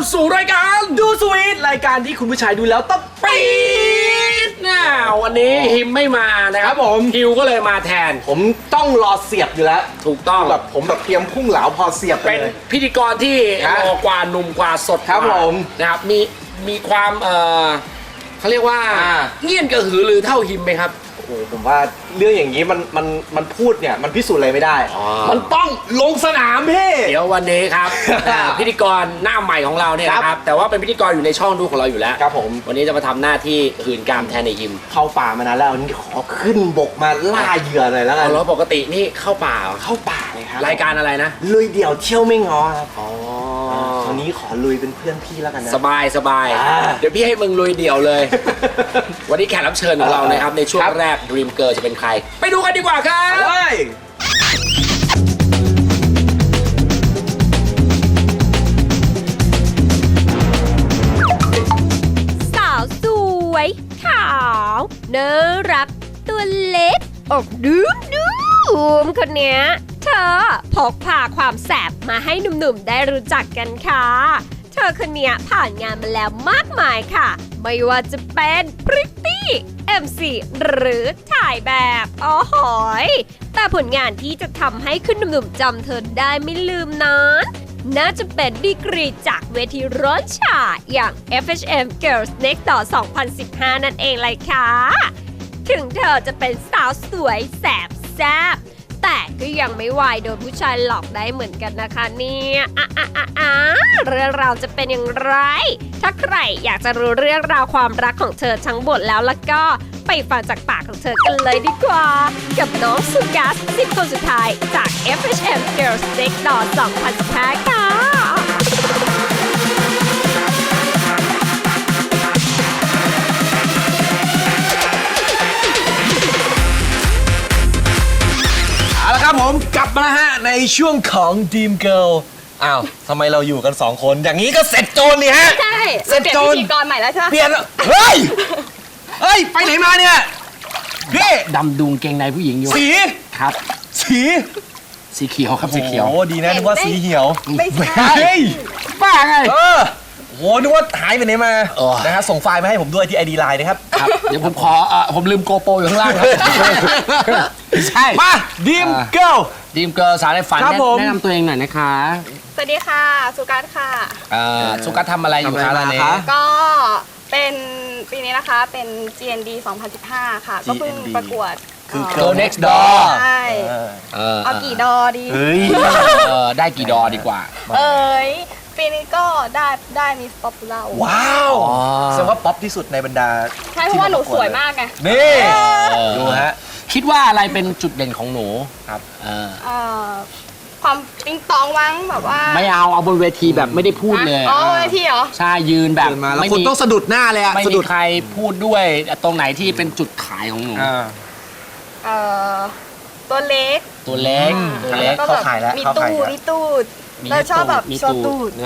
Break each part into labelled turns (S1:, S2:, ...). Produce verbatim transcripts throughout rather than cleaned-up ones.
S1: สู่รายการดูสวีทรายการที่คุณผู้ชายดูแล้วต้องปี๊ดนะวันนี้ฮิมไม่มานะครับผมฮิวก็เลยมาแทน
S2: ผมต้องรอเสียบอยู่แล้ว
S1: ถูกต้อง
S2: แบบผมแบบเตรียมพุ่งเหลาพอเสียบ
S1: เป็นพิธีกรที่รอกว่าหนุ่มกว่าสด
S2: ครับผม
S1: นะครับมีมีความเอ่อเขาเรียกว่าเงี่ยนกระหือรือเท่าฮิมไหมครับ
S2: โอ้ผมว่าเรื่องอย่างนี้มันมันมันพูดเนี่ยมันพิสูจน์อะไรไม่ได้มันต้องลงสนามพี่
S1: เดี๋ยววันนี้ครับ พิธีกรหน้าใหม่ของเราเนี่ยนะครับแต่ว่าเป็นพิธีกรอยู่ในช่องดูของเราอยู่แล้ว
S2: ครับผม
S1: วันนี้จะมาทำหน้าที่หื่นกามแทนในฮิม
S2: เข้าป่ามานานแล้ววันนี้ขอขึ้นบกมาล่าเหยื่อหน่อยแล้วกัน
S1: แล้วปกตินี่เข้าป่า
S2: เข้าป่าเลยครับ
S1: รายการอะไรนะ
S2: ลุยเดี่ยวเที่ยวไม่งอครับอ๋อวันนี้ขอลุยเป็นเพื่อนพี่แล้วกันนะ
S1: สบายสบายเดี๋ยวพี่ให้มึงลุยเดี่ยวเลย วันนี้แขกรับเชิญของเรานะครับในช่วงแรก Dream Girl จะเป็นใครไปดูกันดีกว่าครับ
S3: สาวสวยขาวน่ารักตัวเล็กอกดูดูมคนเนี้ยเธอพกพาความแสบมาให้หนุ่มๆได้รู้จักกันค่ะเธอคนเนี้ยผ่านงานมาแล้วมากมายค่ะไม่ว่าจะเป็นพริตตี้ เอ็ม ซี หรือถ่ายแบบอ๋อหอยแต่ผลงานที่จะทำให้คุณหนุ่มๆจำเธอได้ไม่ลืมนั้นน่าจะเป็นดีกรีจากเวทีร้อนฉ่าอย่าง เอฟ เอช เอ็ม Girls Next Door สองพันสิบห้า นั่นเองเลยค่ะถึงเธอจะเป็นสาวสวยแสบแซ่บแต่ก็ยังไม่วายโดนผู้ชายหลอกได้เหมือนกันนะคะเนี่ยอ่ะอ่ะอ่ะอ่ะเรื่องราวจะเป็นอย่างไรถ้าใครอยากจะรู้เรื่องราวความรักของเธอทั้งหมดแล้วแล้วก็ไปฟังจากปากของเธอกันเลยดีกว่ากับน้องสุกัสสิบคนสุดท้ายจาก เอฟ เอช เอ็ม Girls Next Door สองพันสิบห้า ค่ะ
S2: เอาละครับผมกลับมาฮะในช่วงของ Dream Girl อ้าวทำไมเราอยู่กันสองคนอย่างนี้ก็เสร็จโจรนี่ฮะ
S3: ใช่เสร็จโจรพิธีกรใหม่แล้วใช่ไหม
S2: เปลี่ยนเฮ้ยเฮ้ยไปไหนมาเนี่ยพี่
S1: ดำดุงเกงในผู้หญิงอยู่
S2: สี
S1: ครับ
S2: สี
S1: สีเขียวครับสีเขียว
S2: โอ้ดีนะนึกว่าสีเหี่ยว
S3: ไม่ใช่
S1: ป้าไง
S2: เออโหนึกว่าหายไปไหนมานะฮะส่งไฟล์มาให้ผมด้วยที่ ไอ ดี ไลน์ นะครับ
S1: ครับเดี๋ยวผมขอผมลืมโกโปรอยู่ข้างล่างครับใช่
S2: มาดีมเกิล
S1: ดีมเกิลสาวในฝันแนะนำตัวเองหน่อยนะคะ
S4: สวัสดีค่ะสุกัสค่ะ
S1: สุกัสทำอะไรอยู่คะตอนนี้
S4: ก็เป็นปีนี้นะคะเป็น จี เอ็น ดี สองพันสิบห้า ค่ะก็เพิ่งประกวด
S2: คือ Girl Next Door
S4: ใช่เอากี่ดอดี
S2: เฮ้ย
S1: ได้กี่ดอดีกว่า
S4: เอ้ยปีนี้ก็ได้ได้มีป๊อปปูล่า
S2: ว้าวแสดงว่าป๊อปที่สุดในบรรดา
S4: ใช่เพราะว่าหนูสวยมากไง
S2: นี่ดูฮะ
S1: คิดว่าอะไรเป็นจุดเด่นของหนู
S2: ครับ
S4: ความปิ๊งปองวังแบบว่า
S1: ไม่เอาเอาบนเวทีแบบไม่ได้พูดเลย
S4: อ๋อเวทีเหรอ
S1: ใช่ยืนแบบ
S2: ไม่มีต้องสะดุดหน้าเลยอะ
S1: ไม่มีใครพูดด้วยตรงไหนที่เป็นจุดขายของหนู
S4: เอ่อตัวเล็ก
S1: ตัวเล็ก
S2: ตัวเล็กเขาขายแล้ว
S4: มีตูดมีตูดเราชอบแบบโชว์ตูด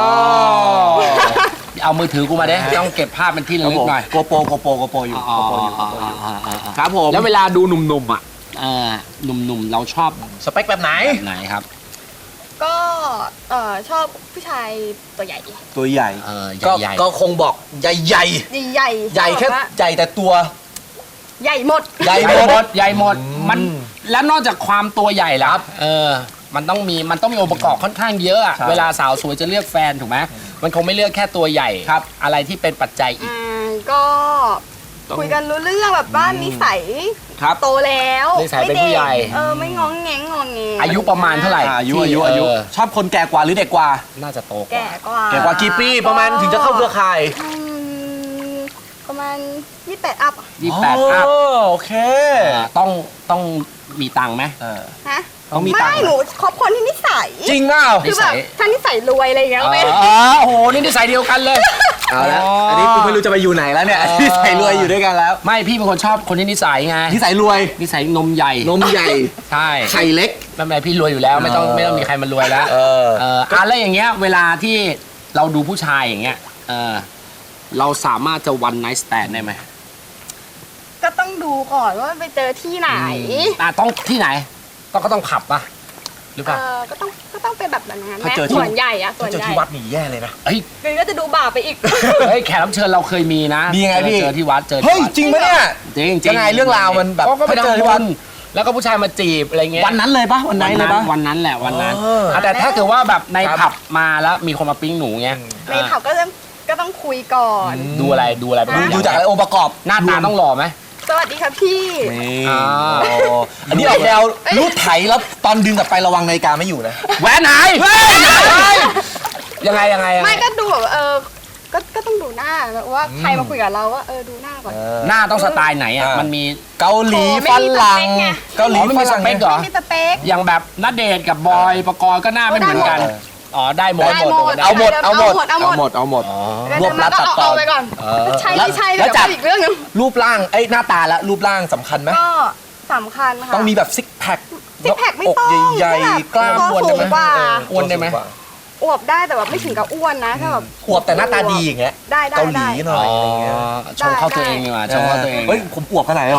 S1: เอามือถือกูมาได้ต้องเก็บภาพเป็นที่ระลึกหน่อย
S2: โกโปโกโปโกโปอยู่โกโปอยู่ครับผม
S1: แล้วเวลาดูหนุ่มๆอ่ะหนุ่มๆเราชอบ
S2: สเปคแบบไหน
S1: ไหนครับ
S4: ก็ชอบผู้ชายตัวใหญ่
S2: ตัวใหญ่
S1: ก็
S2: ก็คงบอกใหญ่ใหญ่
S4: ใหญ่
S2: ใหญ่แค่ใหญ่แต่ตัว
S4: ใหญ่หมด
S1: ใหญ่หมดใหญ่หมดมันแล้วนอกจากความตัวใหญ่แล้วเออมันต้องมีมันต้องมีองค์ประกอบค่อนข้างเยอะอะเวลาสาวสวยจะเลือกแฟนถูกไหมมันคงไม่เลือกแค่ตัวใหญ่ครับอะไรที่เป็นปัจจัยอีก
S4: ก็คุยกันรู้เรื่องแบบบ้านนิสัยโตแล้ว
S1: นิสัยเป็นผู้ใหญ่
S4: เออไม่งองแงงงองแง
S1: อายุประมาณเท่าไหร่
S2: อายุอายุอายุชอบคนแก่กว่าหรือเด็กกว่า
S1: น่าจะโตกว่า
S4: แก่กว่า
S2: แก่กว่ากี่ปีประมาณถึงจะเข้าเครือข่าย
S4: ประมาณยี่สิบแปดอัพ
S1: ยี่สิบแปดอัพ
S2: โอเค
S1: ต้องต้องมีตังค์ไหม
S4: ฮะ
S2: ต้องมีตังค์
S4: ไม่หนูคบคนที่นิสัย
S2: จริงเปล่า
S4: คือแบบถ้านิสัยรวยอะไรอย่างเงี้ย
S1: ไม่อ๋อโหนี่นิสัยเดียวกันเลย
S2: เอาละอันนี้กูไม่รู้จะไปอยู่ไหนแล้วเนี่ยนิสัยรวยอยู่ด้วยกันแล้ว
S1: ไม่พี่เป็นคนชอบคนที่นิสัยไง
S2: นิสัยรวย
S1: นิสัยนมใหญ่
S2: นมใหญ่
S1: ใช่
S2: ไข่เล็ก
S1: ไม่เป็นไรพี่รวยอยู่แล้วไม่ต้องไม่ต้องมีใครมารวยแล้วเออเอออะไรอย่างเงี้ยเวลาที่เราดูผู้ชายอย่างเงี้ยเออเราสามารถจะ one night stand ได้ไหม
S4: ก็ต้องดูก่อนว่าไปเจอที่ไหน
S1: อ่าต้องที่ไหนต้องก็ต้องผับป่ะหรือเปล่า
S4: เออก็ต้องก็ต้องเป็นแบบนั้นนะ
S2: ถ้า
S4: แม่
S2: เจอที่
S4: ส่วนใหญ่อะส่ว
S2: ถ้าน เจอ
S4: ใหญ่
S2: ที่วัดนี่แย่เลยนะ
S1: เฮ้ย
S4: คือก็จะดูบาปไปอีก
S1: เฮ้ยแขกรับเชิญเราเคยมีนะ
S2: มีไงพี่
S1: เจอที่วัดเจอที่
S2: เฮ้ย
S1: วัด
S2: จริงปะเนี่ย
S1: จริงจริ
S2: ยังไงเรื่องราวมันแบบ
S1: ก็ไป
S2: ไปเจอ
S1: ทำ
S2: ที่
S1: บุ
S2: วัด
S1: ญแล้วก็ผู้ชายมาจีบอะไรเงี้ย
S2: วันนั้นเลยปะวันไหนเลยปะ
S1: วันนั้นแหละวันนั้น
S2: เออ
S1: อ่ะแต่ถ้าเกิดว่าแบบใน
S2: ครับ
S1: ผับมาแล้วมีคนมาปิ้งหนูเงี้ย
S4: ในผับก็จะก็ต้องคุยก่อน
S1: ดูอะไรดูอะไร
S2: ดูดูจากอะไรองค์ประกอบ
S1: หน้าตาต้องหล่อไหม
S4: สวัสดีครับพี่
S2: นี่
S1: อ่า
S2: โอ้อันนี้ออกแนวรูดไถแล้วตอนดึงกลับไประวังนาฬิกาไม่อยู่นะ
S1: แหวนหายยังไงยังไงยังไง
S4: ไม่ก็ดูแบบเออก็ก็ต้องดูหน้าแบบว่าใครมาคุยกับเราว่าเออดูหน้าก่อน
S1: หน้าต้องสไตล์ไหนอ่ะ
S2: อ่ามั
S1: มันมี
S2: เกาหลี
S4: โอ้ไม่
S2: ฝ
S4: มี
S2: รั่ง
S4: สเปคไง
S2: เกาหลี
S1: อ๋อไม่มี
S2: ฝรั่ง
S1: สเปคเหรอ
S4: ไม่มีสเปค
S1: อย่างแบบณเดชน์กับบอยประกรณ์ก็หน้าไม่เหมือนกัน
S2: ได้หมด
S1: อ๋อได้หมด
S4: ได้หมด
S2: เอาหมดเอาหมด
S4: เอาหมด
S2: เอาหมดเอาหมด
S1: อ๋อ
S2: รวบรัดตัดตอน
S4: เอาไปก่อน
S2: เออ
S4: ใช่
S2: แล้ว
S4: ไม่ใช่
S2: แล้
S4: เดี๋ยว ว
S2: จัด
S4: อีกเรื่องหนึง
S2: รูปร่างเอ้ยหน้าตาและรูปร่างสำคัญไหม
S4: ก็สำคัญค่ะ
S2: ต้องมีแบบซิกแพค
S4: ซิกแพคไม่
S2: อก
S4: ต้อง
S2: ใหญ่
S4: แค่แบบ
S2: ๆกล้าม
S4: ตัว
S2: อ้วน
S4: สู
S2: ได้
S4: ง
S2: ไหม
S4: กว่า
S2: เ
S1: อ้วนได้ไหม
S2: ตัวสูงกว่า
S4: อวบได้แต่แบบไม่ถึงกับอ้วนนะแค่แบบ
S2: อวบแต่หน้าตาดีอย่างเงี้ย
S4: ได้ได้
S2: เกาหลี
S4: ได้
S2: หน่อยอะไรเงี้ย
S1: ชมเข้าตัวเองดีกว่าชมเข้าตัวเอง
S2: เฮ้ยผมอวบขนาดไหนหรอ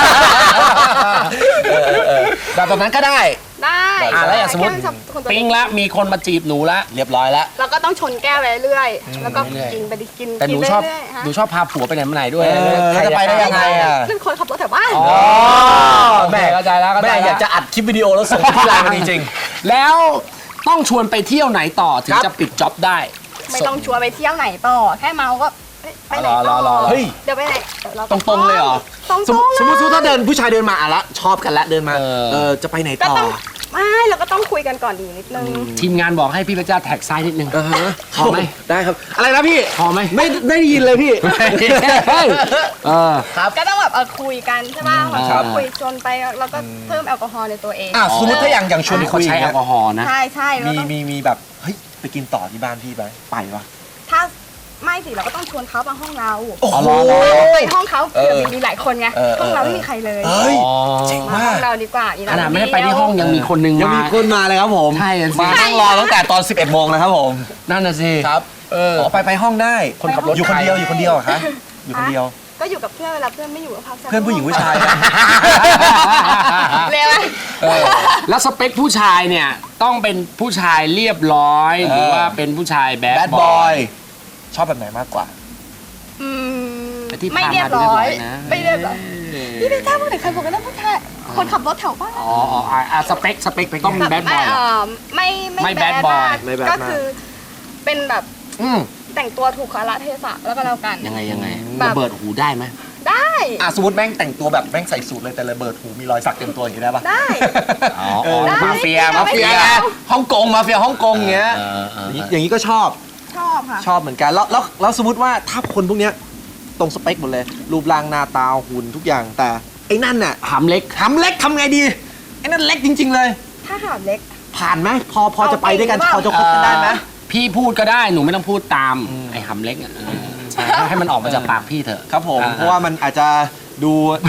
S2: เออเออเออแบบแบบนั้นก็ได้
S4: ได้
S1: อ่ะแล้วอย่างสมมติ
S4: แค่ชอบคนตัว
S1: ปิ้ง
S4: เล็ก
S1: แล้วมีคนมาจีบหนูแล้ว
S2: เรียบร้อยแล้ว
S4: เราก็ต้องชนแก้วไปเรื่อยๆแล้วก็
S1: เรื่อยๆ
S4: กินไปดิกิน
S1: แต่หนู
S4: กิ
S1: ชอบ
S4: เรื่ยๆฮะ
S1: หนูชอบพาผัวไปไหนมาไหนด้วย
S2: เออแล้วจะไปได้ยังไงอ่ะ
S4: เป็นคนขับรถแถวบ้าน
S1: อ๋อแม่เข้าใจแล้วเข้าใจ
S2: แม่
S1: แล้ว
S2: อยากจะอัดคลิปวิดีโอแล้วส่งที่ไลน์มันจริง
S1: แล้วต้องชวนไปเที่ยวไหนต่อถึง
S2: ครับ
S1: จะปิดจ็อบได้
S4: ไม่ต้องชวนไปเที่ยวไหนต่อแค่เมาก็เอ้ยไปไหน
S1: รอร
S4: ต่
S1: อ
S4: อ
S1: รอ
S2: เฮ้ย
S4: เดี๋ยวไปไหนดี๋ยวา
S1: ตรงๆเลยเหรอ
S4: ตรง
S2: สม
S4: ๆ
S2: มติสมมติ
S4: เลย
S2: ถ้าเดินผู้ชายเดินมาอ่ะละชอบกันละเดินมา
S1: เออ
S2: เออจะไปไหน
S4: ก็
S2: ต่อ
S4: ต้องไม่เราก็ต้องคุยกันก่อนดีนิดนึง
S1: ทีมงานบอกให้พี่พระเจ้าแท็กซ้ายนิดนึง
S2: เออฮะ
S1: พอไหม
S2: ได้ครับ อะไรนะพี่
S1: พอไหม
S2: ไม่ได้ยินเลยพี่
S1: เฮ้ยเออ
S2: ครับ
S4: ก็ต้องแบบเออคุยกันใช่ป่ะ
S1: ครับ
S4: คุยจนไปแล้วก็เพิ่มแอลกอฮอล์ในตัวเอง
S2: อ่ะสมมติถ้าอย่างอย่างชวน
S1: นี่
S2: คุ
S1: เขา
S2: ย
S1: ใช้แอลกอฮอล์นะ
S4: ใช่ใช่แล้ว
S2: มี
S4: ต้อง
S2: มีมีแบบเฮ้ยไปกินต่อที่บ้านพี่ไหมไปปะ
S4: ถ้าไม่สิเราก็ต้องชวนเขามาห้องเรา
S2: โอ้โห
S4: ไปห้องเขา
S2: เออ
S4: เผื่อมีหลายคนไง
S2: เออเออ
S4: ห้องเราไม่มีใครเลย
S2: เฮ้ย
S1: อ๋อ
S2: เจ๋ง
S4: มาห้
S2: มา
S4: อก งเราดีกว่าอี
S1: ขนาดไม่ได้ไปที่ห้องยังมีคนนึง
S2: ยัง
S1: มา
S2: มีคนมาเลยครับผม
S1: ใช่อะสิ
S2: มานั่งรอตั้งแต่ตอน สิบเอ็ดโมงนะครับผม
S1: นั่นน่ะสิ
S2: ครับ
S1: เออ
S2: อ๋อไปไปห้องได้
S1: คนขับรถ
S2: อยู่คนเดียวอยู่คนเดียวเหรอคะอยู่คนเดียว
S4: ก็อยู่กับเพื่อนเวลาเพื่อนไม่อยู่ก็พักสัก
S2: เพื่อนผู้หญิงผู้ชายนะ
S4: เร็วไหม
S1: เออแล้วสเปคผู้ชายเนี่ยต้องเป็นผู้ชายเรียบร้อย หรือว่าเป็นผู้ชายแบด
S2: แบด
S1: บบ อ
S2: อย ยชอบแบบไหนมากกว่า
S4: อืม
S1: แต่ที่
S4: ไม่
S1: พา
S4: เรีย
S1: มา
S4: บ
S1: ดู
S4: ร้
S1: เรียบร้อย ยนะ
S4: ไม่เรียบร้อยพี่ไม่ทราบว่าไหนใครบอกกันนะผู้ชายคนขับรถแถวบ้าน
S1: อ๋ออ๋ออ่ะอ่ะสเปคสเปคต้องเป็นแบดบ
S4: ไม่
S1: อย
S4: เอ่อไม่
S1: ไม่
S4: ไม่
S1: bad
S4: แบด
S1: boy
S4: มาก
S2: ไม่ bad
S4: ก็
S2: มาก
S4: คือเป็นแบบ
S1: อืม
S4: แต่งตัวถูกกาลเทศะแล้วก็แล้วกัน
S1: ยังไงยังไง
S4: แบบ
S1: ระเบิดหูได้ไหม
S4: ได้
S2: อ่ะสมมติแม่งแต่งตัวแบบแม่งใส่สูทเลยแต่ระเบิดหูมีรอยสักเต็มตัวอย่างนี้ได้ปะ
S4: ได้
S1: อ๋อ
S2: เออ
S4: ได้
S1: มาเฟีย
S4: ไม่
S1: มาเฟีย
S4: ไม่เอา
S2: ฮ่องกงมาเฟียฮ่องกงเงี้ย
S1: เออเออ
S2: อย่าง
S1: เออ
S2: อย่างนี้ก็ชอบ
S4: ชอบค่ะ
S2: ชอบเหมือนกันแล้วแล้วแล้วสมมติว่าถ้าคนพวกเนี้ยตรงสเปคหมดเลย รูปร่างหน้าตาหุ่นทุกอย่างแต่ไอ้นั่นน่ะ
S1: หำเล็ก
S2: ทำเล็กทำไงดีไอ้นั่นเล็กจริง ๆ เลย
S4: ถ้าหามเล็ก
S2: ผ่านไหมพอพอจะไปด้วยกัน
S4: เอา
S2: พอ
S4: จริ
S2: จะ
S4: ง
S2: คบกันได้ไหม
S1: เอ่อพี่พูดก็ได้หนูไม่ต้องพูดตามไอ้หำเล็กอ่ะเออใช่ให้มันออกมาจากปากพี่เถอะ
S2: ครับผม
S1: อ่
S2: เพราะว่ามันอาจจะดู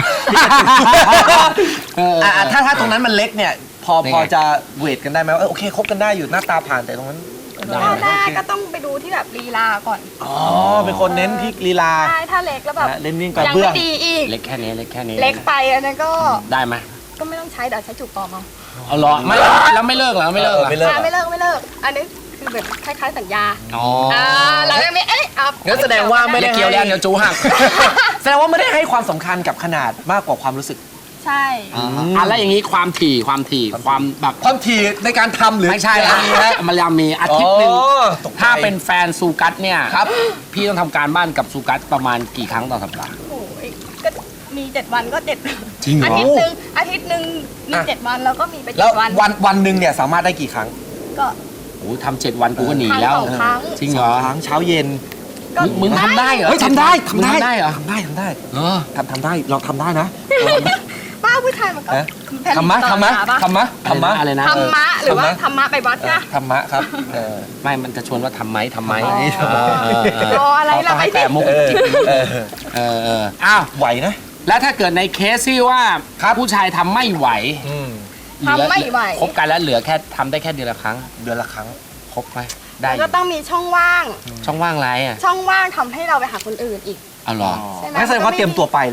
S1: เออ
S2: อ่ะอ่ะถ้าถ้าตรงนั้นมันเล็กเนี่ย พอ
S1: ยังไง
S2: พอจะเวทกันได้ไหมว่าเออโอเคคบกันได้อยู่หน้าตาผ่านแต่ตรงนั้น
S1: ได้
S4: ถ้า
S1: ไหม
S4: แรกก็ต้องไปดูที่แบบลีลาก่อน
S2: อ๋อเป็นคนเน้นที่ลีลา
S4: ใช่ถ้าเล็กแล้วแบบ
S2: นะเล่นวิ่งกับ
S4: ยัง
S2: เบื้อ
S4: ไม่
S2: ง
S4: ดีอีก
S1: เล็กแค่นี้เล็กแค่นี้
S4: เล็กไปอันนั้นก็
S1: ได้ไหม
S4: ก็ไม่ต้องใช้เดี๋ยวใช้จูบปลอมเอา
S1: เอาเหรอไม่แล้วไม่เลิกเหรอไม่เลิกเหรอ
S2: เออไม่เลิก
S4: อ่าไม่เลิกไม่เลิก อันนี้คือแบบคล้ายๆสัญญา
S1: อ๋อ
S4: อ่าเรายังไม่เอ๊ะเอา
S2: งั้นแสดงว่าไม่
S1: อ
S2: ได้
S1: ย่าเกี่ยวแล้วเดี๋ยวจูหัก
S2: แสดงว่าไม่ได้ให้ความสำคัญกับขนาดมากกว่าความรู้สึก
S4: ใช่
S1: อ่ะแล้วอย่างนี้ความถี่ความถี่ความแบบ
S2: ความถี่ในการทำหรือ
S1: ไม่ใช่
S2: อะ
S1: ละ
S2: ไรนะ
S1: มันยังมีอาทิตย์หนึ่ง
S2: อ๋อตกใจ
S1: ถ้าเป็นแฟนซูกัสเนี่ย
S2: ครับ
S1: พี่ต้องทำการบ้านกับซูกัสประมาณกี่ครั้งต่อสัปดาห์
S4: โอ้ยก็มีเจ็ดวันก็เจ็ด
S1: จริงเหรอ
S4: อาทิตย์หนึ่งอาทิตย์หนึ่งมีเจ็ดวันแล้วก็มีไป
S2: แล้
S4: เจ็
S2: ว
S4: ดวัน
S2: วันวันหนึ่งเนี่ยสามารถได้กี่ครั้ง
S4: ก็
S1: โอ้โหทำเจ็ดวันกูก็หนีแล้ว
S4: ครั้งสองครั้ง
S1: จริงเหรอ
S2: ครั้งเช้าเย็น
S4: ก็
S1: มึงมึงทำได้เหรอ
S2: เฮ้ยทำได้
S1: มึง
S2: ทำได้
S1: ทำได้เหรอ
S2: ทำได้ทำได้
S1: เออ
S2: ทำทำได้ลองทำได้นะ
S4: ป้าผู้ชายมันก็
S2: ฮะ
S4: แผ่น
S2: ทำมะ
S4: ต่อ
S2: ทำมะ
S4: ขาปะ
S2: ทำมะทำมะ
S1: อะไรนะ
S4: ธรรมะหรือว่า
S2: ธรรมะ
S4: ธรรมะไปวัด
S2: เออ
S4: นะ
S2: ธรรมะครับเออ
S1: ไม่มันจะชวนว่าทำไหมทำไหม
S2: ทำไหม
S1: เออเออเออ
S4: รออะไรล่ะ
S1: ต้องให้
S4: ไปสิ
S1: แต่มุก
S2: เออ
S1: จิบ
S2: เออ
S1: เออเอออ้าว
S2: ไหวนะ
S1: แล้วถ้าเกิดในเคสที่ว่าผู้ชายทำไม่ไหว
S2: อืม
S1: เหลือ
S4: ทำไม่ไหว
S1: คบกันแล้วเหลือแค่ทำได้แค่เดือนละครั้ง
S2: เดือนละครั้ง
S1: ครบไหมได้อยู่
S4: ก็ต้องมีช่องว่าง
S1: ช่องว่างไรอ่ะ
S4: ช่องว่างทำให้เราไปหาคนอื่นอีก
S1: เอาเหรอ
S4: ใช่ไหม
S2: งั้นแสดงว่าเตรียมตัวไปเลยดิ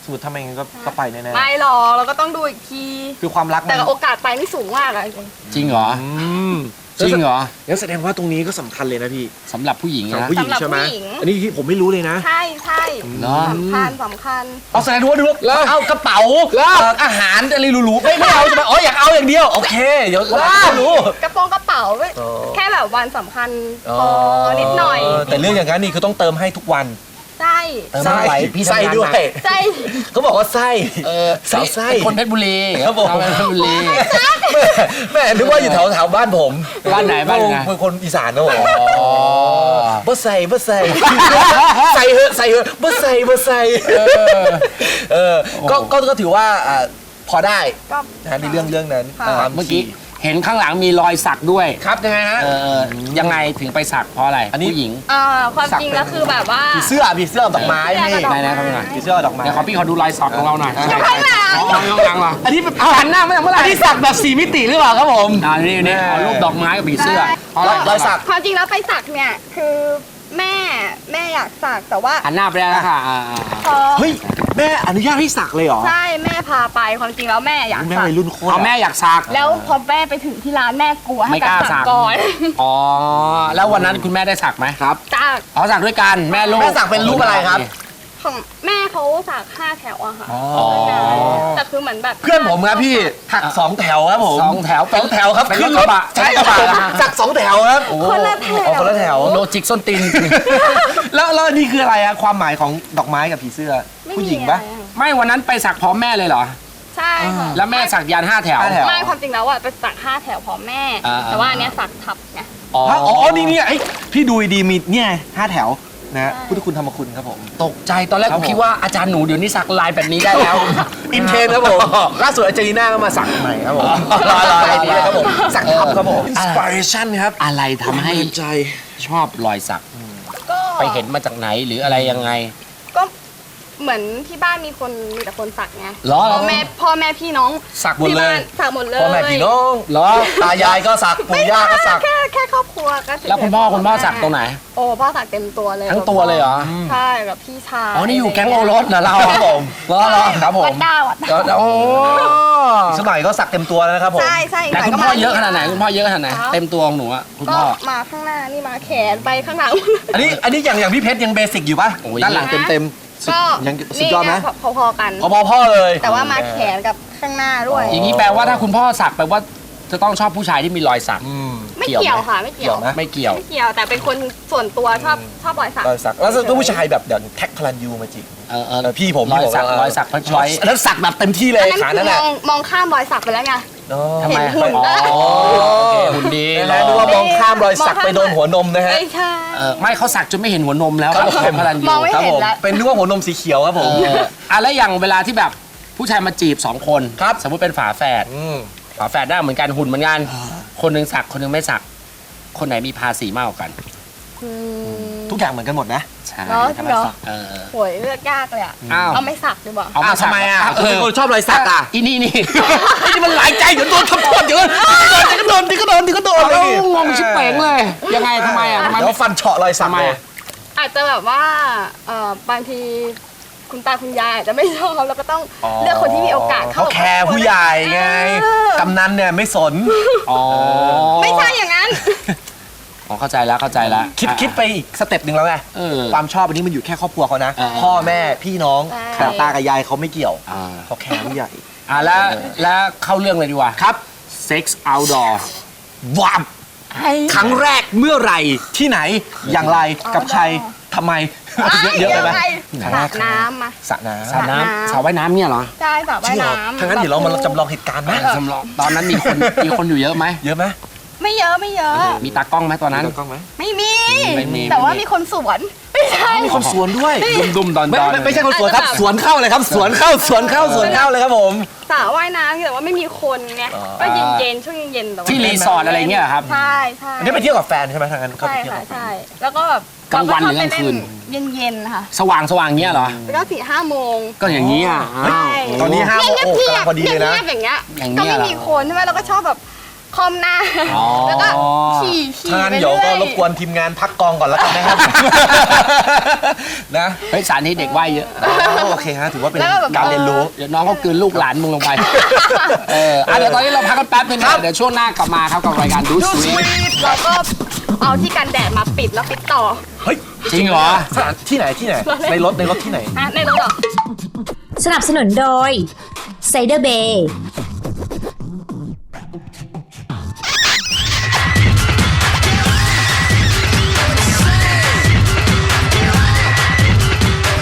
S2: สมมติทำไมงั้นก็ก็ไปแน่
S4: ไม่หรอกเราก็ต้องดูอีกที
S2: ๆคือความรักมั
S4: แต่
S2: น
S4: โอกาสไปนี่สูงมากอะ
S1: จริงเหรอ
S2: อืม
S1: จริงเหรอ
S2: งั้นแสดงว่าตรงนี้ก็สำคัญเลยนะพี่
S1: สำหรับผู้หญิง
S2: สำหรับ
S1: นะ
S2: ผู้หญิงใช่ไหมอันนี้ที่ผมไม่รู้เลยนะ
S4: ใช่ใช่
S1: เนอะ
S4: สำคัญสำคัญ
S2: เอาแสดงว่าดู
S1: แล้ว
S2: เอากระเป๋า
S1: แล้ว
S2: เอ่ออาหารอะไรหรูๆไม่ไม่เอาใช่ไหมอ๋ออยากเอาอย่างเดียวโอเคเดี๋ยวเรารู้
S4: กระโปรงกระเป๋า
S2: อ๋อ
S4: แค่แบบวันสำคัญพอนิดหน่อย
S2: เแต่เรื่องอย่างนั้นนี่คือต้องเติมให้ทุกวัน
S4: ใช่
S1: เติมไม่ไหวพี่ทำงาน
S2: ไส้ด้วย
S4: ใช่
S2: เขาบอกว่าไส้
S1: เออ
S2: สาวไส้
S1: เป็นคนเพชรบุรี
S2: ครับผม
S1: เราเป็นเพชรบุรี
S2: แม่แม่นึกว่าอยู่แถวแถวบ้านผม
S1: บ้านไหนบ้านไหน
S2: เป็นคนอีสานนะผม
S1: อ๋อ
S2: บ่ใส่บ่ใส่ใส่เหอะใส่เหอะบ่ใส่บ่ใส่เออก็ก็ก็ถือว่าอ่าพอได้
S4: ก็
S2: นะในเรื่องเรื่องนั้น
S4: ค่ะ
S2: ความ
S1: เมื่อกี้เห็นข้างหลังมีรอยสักด้วย
S2: ครับยังไงฮะ
S1: เออยังไงถึงไปสักเพราะอะไร
S2: อันนี้
S1: ผู้หญิง
S4: เอ่อความจริงแล้วคือแบบว่า
S2: ผีเสื้อผีเสื้อดอกไม้พี่
S4: ผีเสื้อกับดอกไม้
S1: ไหนๆครับพี่หน่อย
S2: ผีเสื้อดอกไม้
S1: เดี๋ยวขอพี่ขอดูรอยสักของเราหน่อย
S2: เออ
S1: ใช่ใช่อ๋อข้างหลังเหรอ
S2: อันนี้แบบ
S1: เอาหันหน้ามาเมื่อไหร่
S2: อันนี้สักแบบสี่มิติหรือเปล่าครับผม
S1: อ่านี่นี่เอารูปดอกไม้กับผีเสื้อ
S4: ใช่
S1: เพราะอะไร
S2: รอยสัก
S4: ความจริงแล้วไปสักเนี่ยคือแม่แม่อยากสักแต่ว่า
S1: หันหน้าไปได้แล้วค่ะอ่าอ่า
S4: พอ
S2: เฮ้ยแม่อนุญาตให้สักเลยเหรอ
S4: ใช่แม่พาไปความจริงแล้วแม่อยาก
S2: แม่
S4: สัก
S2: วัยรุ่นโคตร
S1: เอาแม่อยากสัก
S4: แล้วพอแม่ไปถึงที่ร้านแม่กลัว
S1: ไม่
S4: ให้
S1: กล้า
S4: ไป
S1: สั
S4: สั
S1: ก
S4: กก่อน
S1: อ๋อแล้ววันนั้นคุณแม่ได้สักไหมครับ
S4: จาก
S1: อ๋อสักด้วยกันแม่ลูก
S2: แม่สักเป็นรูปอะไรครับ
S4: ของแม่เขาสักห้าแถวอะค่ะ
S1: อ๋อ
S4: แต่คือเหมือนแบบ
S2: เพื่อนผมครับพี่หักสองแถวครับผม
S1: สองแถว
S2: สองแถวครับ
S1: เป็น
S2: ขึ้น
S1: รถกระบะ
S2: ใช่
S1: รถกระบะ
S2: ครับ
S1: นะฮะ
S2: สักสองแถวครับ
S1: โอ้
S4: คนละแถว
S2: เอาคนละแถว
S1: โลจิกส้นตีน
S2: แล้วแล้วนี่คืออะไรอะความหมายของดอกไม้กับผีเสื้อ
S4: ไม่
S2: ผู้
S4: มี
S2: หญิงปะ
S4: อไรอ
S1: ไม่วันนั้นไปสักพร้อมแม่เลยเหรอ
S4: ใช่ค่ะ
S1: แล้วแม่สักยันห้าแถว
S2: ห้าแถว
S4: ไม่ความจริงแล้วอะไปสักห้าแถวพร้อมแม่
S1: อ่า
S4: แต่ว่าอันเนี้ยสักทับไง
S1: อ๋อ
S2: ฮะอ๋อนี่เนี่ยไอ้พี่ดูดีๆมีเนี่ยห้าแถวนะ
S4: ใช่
S2: พุทธคุณธรรมคุณครับผม
S1: ตกใจตอนแรก
S2: ครั
S1: ผ
S2: บ
S1: ม
S2: ผม
S1: คิดว่าอาจารย์หนูเดี๋ยวนี้สักลายแบบนี้ได้แล้ว
S2: อินเทรนด์ครับผมล่าสุดอาจารย์น่าก็มาสักใหม่ครับผมรอรออะไรนี้ครับผมสักทับครับผมอินสปิเรชันครับ
S1: อะไรทำให้
S2: ใจ
S1: ชอบรอยสัก
S4: ก็
S1: ไปเห็นมาจากไหนหรืออะไรยังไง
S4: ก็เหมือนที่บ้านมีคนมีแต่คนสักไง
S1: เหรอ
S4: พ่อแม่พ่อแม่พี่น้อง
S2: สักหมด
S4: ที่
S2: เล
S4: บ้าย นสักหมดเลย
S2: พ่อแม่พี่น้อง
S1: เหรอ
S2: ตายายก็สักปู่ย่าก็สัก
S4: แค่แค่ครอบครัวก็เฉยๆ
S1: แล้วคุณพ่อคุณพ่อสักตรงไหน
S4: โอ้พ่อสักเต็มตัวเลย
S1: ทั้งตัวเลยเหรอ
S4: ใช่กับพี่ชาย
S1: อ๋อนี่อยู่แก๊งโอรสเหรอเรา
S2: ครับผม
S1: เหรอเหรอ
S2: ครับผม
S4: วัดดาววัดดาว
S1: โอ้
S2: สมัยก็สักเต็มตัวแล้วนะครับผม
S4: ใช่ใช่
S1: แต่คุณพ่อเยอะขนาดไหนคุณพ่อเยอะขนาดไหน
S4: ครับ
S1: เต็มตัวของหนูอะคุณ
S4: ก็
S1: พ่อ
S4: มาข้างหน้านี่มาแขนไปข้างหลัง
S2: อันนี้อันนี้อย่างอย่างพี่เพชรยังเบสิกอยู่ป่ะ
S1: โอ้ย
S2: ด้านหลังเต็มเต็มๆสุด
S4: ก็
S2: ยังสุดยอดไหม
S4: นี่ไงพอๆกัน
S2: พอพอพ่อเลย
S4: แต่ว่ามาแขนกับข้างหน้าด้วย
S1: อย่างนี้แปลว่าถ้าคุณพ่อสักแปลว่าจะต้องชอบผู้ชายที่มีรอยสัก
S2: อืม
S4: ไม่
S1: เกี่ยว
S4: เกี่ยว
S1: ไหม
S4: ค่ะไม่เกี่ยว
S2: เกี่ยวไหม
S1: ไม่เกี่ยว
S4: ไม่เกี่ยวแต่เป็นคนส่วนตัวชอบชอบรอยสัก
S2: รอยสักแล้วก็ผู้ชายแบบเดี๋ยวแท็กพลันยูมาจีบ
S1: เออเออ
S2: เออพี่ผม
S1: รอยสัก
S2: พี่ผม
S1: รอยสักพช้อย
S2: อันนั้นสักแบบเต็มที่เลย
S4: อันนั้น
S2: ขา
S4: คื
S2: นั่
S4: อน ม
S2: แหละ
S4: องมองข้ามรอยสักไปแล้วไง
S2: อ๋อ
S1: ทำไม
S4: เห็นหุ่น
S1: อ๋อ
S4: เออ
S1: โอเคหุ่นดี
S2: นะฮะนึกว่ามองข้ามรอยสักไปโดนหัวนมนะฮะ
S4: ไม่ใช่
S1: เออไม่เขาสักจนไม่เห็นหัวนมแล้ว
S2: ครับผม
S1: เป็นพลันยู
S4: มองไม่
S2: ครับ
S4: เห็น
S2: ผม
S4: แล้ว
S2: เป็นนึกว่าหัวนมสีเขียวครับผม
S1: เอออ่ะแล้วอย่างเวลาที่แบบผู้ชายมาจีบสองคน
S2: ครับ
S1: สมมุติเป็นฝาแฝด
S2: อืม
S1: ฝาแฝดได้เหมือนกันหุ่นเหมือนกันคนหนึงสักคนหนึงไม่สัก คนไหนมีภาษีมากกว่ากัน
S4: อืม
S2: ทุกอย่างเหมือนกันหมดนะ
S1: ใช่
S4: เหรอจริงเหรอ
S1: เออ
S4: โหยเลือกยากเลยอ่ะ
S1: อ้าว
S4: เอาไม่สักดีกว่า
S1: เอามาสัก
S2: ทำไมอ่ะ
S1: เอ
S2: คุณ
S1: อ
S2: เป็นคนชอบรอยสักอ่ะ
S1: อีนี่นี่
S2: ไอ้นี่มันหลายใจเดี๋ยวโดนทำโทษเดี๋ยวเดี๋ยวก็โดนเดี๋ยวก็โดนเดี๋ยวก็โดน
S1: เอางงชิบเป๋งเลย ยังไงทำไมอ่ะทำไม
S2: เดี๋ยวฟันเฉาะรอยสัก
S1: ทำไม
S2: เลย
S1: อ่ะ
S4: อาจจะแบบว่าเอ่อบางทีคุณตาคุณยายอาจจะไม่ชอบแล้วก็ต้อง
S2: อ๋อ
S4: เลือกคนที่มีโอกาส
S2: เขาแคร์ผู้ใหญ่ไง
S4: เออก
S2: ำนันเนี่ยไม่สน
S1: อ๋อ
S4: ไม่ใช่อย่างนั้น
S1: อ๋อเข้าใจแล้วเข้าใจแล้ว
S2: คิดคิดไปอีกสเต็ปหนึ่งแล้วไง
S1: เออ
S2: ความชอบอันนี้มันอยู่แค่ครอบครัวเขานะ
S1: อ่า
S2: พ่อแม่พี่น้อง
S4: ใช่
S2: แต่ตากับยายเขาไม่เกี่ยว
S1: อ่า
S2: เขาแคร์ผู้ใหญ่
S1: อ่ะแล้วแล้วเข้าเรื่องเลยดีกว่า
S2: ครับ
S1: Sex Outdoor
S2: วามครั้งแรกเมื่อไหร่ที่ไหนอย่างไรกับใครทำไม เยอะเยอะไปไหม
S4: สระน้ำมา
S2: สระน้
S1: สระน้ำสระว่ายน้ำเนี่ยเหรอ
S4: ใช่สระ
S2: ำ
S4: ว่ายน้ำ
S2: ถ้างั้นเดี๋ยวเรามาจำลองเหตุการณ์ไหม
S1: จำลองตอนนั้นมีคนมีคนอยู่เยอะไหม
S2: เยอะไหม
S4: ไม่เยอะไม่เยอะ
S1: มีตากล้องไหมตอนนั้น
S2: กล้องไหม
S4: ไม่มี
S1: ไม่มี
S4: แต่ว่ามีคนสวน ไม่ใช่
S2: มีคนสวนด้วย
S1: ดุมดุมๆดอน
S2: ไม่
S1: ดอน
S2: ไม่ไม่ใช่คนสวนครับ
S4: อาจจะแบบ
S2: สวนเข้าเลยครับ สวนเข้าสวนเข้าสวนเข้าเลยครับผม
S4: สระว่ายน้ำแต่ว่าไม่มีคนไง
S2: อ๋อ
S4: ก็เย็นๆช่วงเย็นๆแต่ว่า
S1: ที่รีสอร์ทอะไรเงี้ยเหรอครับ
S4: ใช่ใช่
S2: อันนี้ไปเที่ยวกับแฟนใช่ไหมทางนั้นเขา
S4: ใช่
S2: ไปเที่ยว
S4: ค่ะ
S2: กับแฟน
S4: ใช่แล้วก็แบบ
S1: กลางวันหรือกลางคืน
S4: เย็นๆค่ะ
S1: สว่างสว่างเงี้ยเหรอ
S4: แล้วก็สี่ห้าโมง
S1: ก็อย่างนี้อ่ะอ้าว
S4: ใช่
S2: ตอนนี้ห้าโมง
S4: เงียบ
S2: โอ้
S4: เงีย
S2: กำลังพอดีเลยนะ
S4: เงียบๆอย่างเงี้ย
S1: อย่างเงี้
S4: ก็
S1: ย
S4: ไม่
S1: เหรอ
S4: มีคนใช่ไหมเราก็ชอบแบบคอมหน้า
S1: อ๋อ
S4: แล้วก็ขี่ขี่
S2: ถ้างั้น
S4: ไป
S2: เดี๋ยว
S4: เรื่
S2: ก็
S4: อย
S2: รบกวนทีมงานพักกองก่อนแล้วกันนะครับ นะ
S1: เฮ้ยสารนี้เด็กว่ายเยอะ
S2: โอเคฮะถือว่าเป็น
S4: แล้วก็แบบ
S2: การเรียนรู้
S1: เดี๋ยวน้องเขากลืนลูกหลานมึงลงไป เอออ่ะเดี๋ยวตอนนี้เราพักกันแป๊บนึงนะเดี๋ยวช่วงหน้ากลับมาครับกับรายการดูสวีท
S4: แล้วก็เอาที่กันแดดมาปิดแล้วปิดต่อ
S2: เฮ้ย
S1: จริงเหรอ
S2: สถานที่ไหนที่ไหน ในรถในรถที่ไหน
S4: อ่ะในรถเหรอ
S5: สนับสนุนโดยไซเดอร์เบย์